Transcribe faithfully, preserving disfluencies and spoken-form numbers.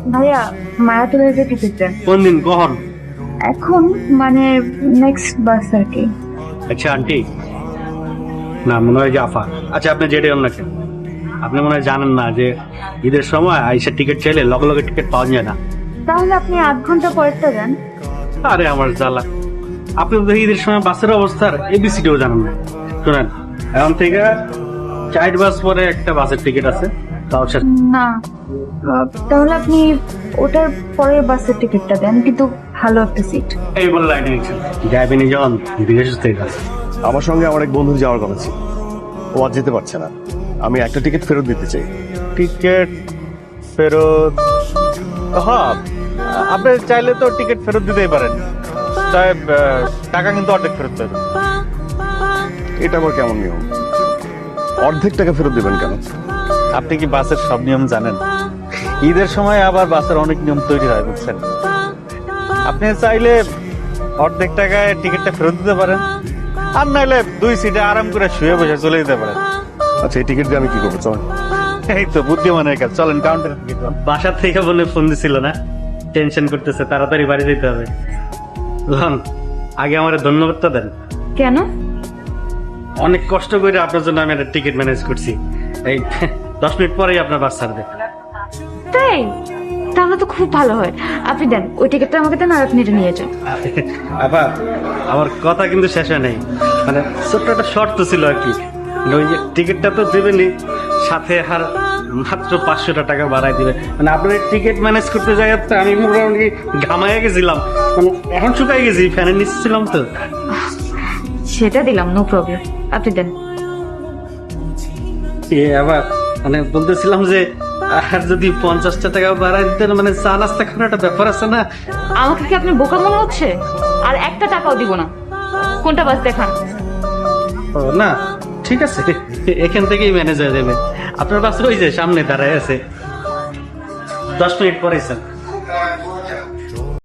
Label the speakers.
Speaker 1: ভাইয়া মায়াতুলের যে টিকিটটা
Speaker 2: কোন দিন কখন?
Speaker 1: এখন মানে নেক্সট বাস আর কি।
Speaker 2: আচ্ছা আন্টি, না মনে হয় জাফা। আচ্ছা আপনি যেটাই হন না কেন, আপনি মনে হয় জানেন না যে ঈদের সময় আইসার টিকিট চাইলে লগে লগে টিকিট পাওয়া যায় না।
Speaker 1: তাহলে আপনি আধ ঘন্টা পরেরটা দেন।
Speaker 2: আরে আমার জ্বালা, আপনি তো ঈদের সময় বাসের অবস্থার এবিসিডিও জানেন না। শোনেন, এখন থেকে চার বাস পরে একটা বাসের টিকিট আছে, তাও সে
Speaker 1: না আহ, তাহলে আপনি ওটার পরের বাসের টিকিটটা দেন, কিন্তু ভালো একটা সিট।
Speaker 2: এই বলে লাইনে নিচ্ছেন যাইবেনি যখন বিদেশ থেকে আছে।
Speaker 3: আমার সঙ্গে আমার এক বন্ধুর যাওয়ার কথা ছিল, ও আজ যেতে পারছে না। আমি একটা টিকিট ফেরত দিতে চাই।
Speaker 4: টিকিট ফেরত? হ্যাঁ, আপনি চাইলে তো টিকিট ফেরত দিতেই পারেন, তাই আহ, টাকা কিন্তু অর্ধেক ফেরত পাবেন।
Speaker 3: এটা আবার কেমন নিয়ম? অর্ধেক টাকা ফেরত দেবেন কেন?
Speaker 4: আপনি কি বাসের সব নিয়ম জানেন? ঈদের সময় আবার বাসের অনেক নিয়ম তৈরি হয়, বুঝছেন? আপনি চাইলে অর্ধেক টাকায় টিকিটটা ফেরত দিতে পারেন, আর নাইলে দুই সিটে আরাম করে শুয়ে বসে চলে যেতে পারেন।
Speaker 3: আচ্ছা, এই টিকিট দিয়ে আমি কি করবো? চল।
Speaker 4: এই তো বুদ্ধিমানের কাজ, চলেন কাউন্টারে টিকিট পান।
Speaker 2: বাসার থেকে বলে ফোন দিছিল না, টেনশন করতেছে, তাড়াতাড়ি বাড়ি যেতে হবে। লন, আগে আমার ধন্যবাদটা দেন।
Speaker 1: কেন?
Speaker 2: অনেক কষ্ট করে আপনার জন্য আমি একটা টিকিট ম্যানেজ করছি। এই দশ মিনিট পরেই আপনার বাস ছাড়বে।
Speaker 1: তাই? তাহলে তো খুব ভালো হয়। আপনি দেন ওই টিকিটটা আমাকে দেন, আর আপনি এটা নিয়ে যান।
Speaker 2: আবার আমার কথা কিন্তু শেষ হয় নাই, মানে ছোট্ট একটা শর্ত ছিল আর কি। মানে ওই যে টিকিটটা তো দেবেনি, সাথে আর মাত্র পাঁচশোটা টাকা বাড়াই দিবে। মানে আপনার টিকিট ম্যানেজ করতে যাই আমি মোটামুটি ঘামাইয়া গেছিলাম, মানে এখন শুকাই গেছি, ফ্যানের নিচে ছিলাম তো।
Speaker 1: সেটা দিলাম, নো প্রবলেম। আপনি দেন।
Speaker 2: এ আবার মানে বলতেছিলাম যে আর যদি পঞ্চাশটা টাকা বাড়াই দিতেন, মানে চা নাস্তা খাওয়ার একটা ব্যাপার আছে না।
Speaker 1: আমাকে কি আপনি বোকা মনে হচ্ছে? আর একটা টাকাও দিব না। কোনটা বাস দেখান।
Speaker 2: ও না, ঠিক আছে, এখান থেকেই ম্যানেজ হয়ে যাবে। আপনার বাস ওই যে সামনে দাঁড়ায় আছে, দশ মিনিট পরে স্যার।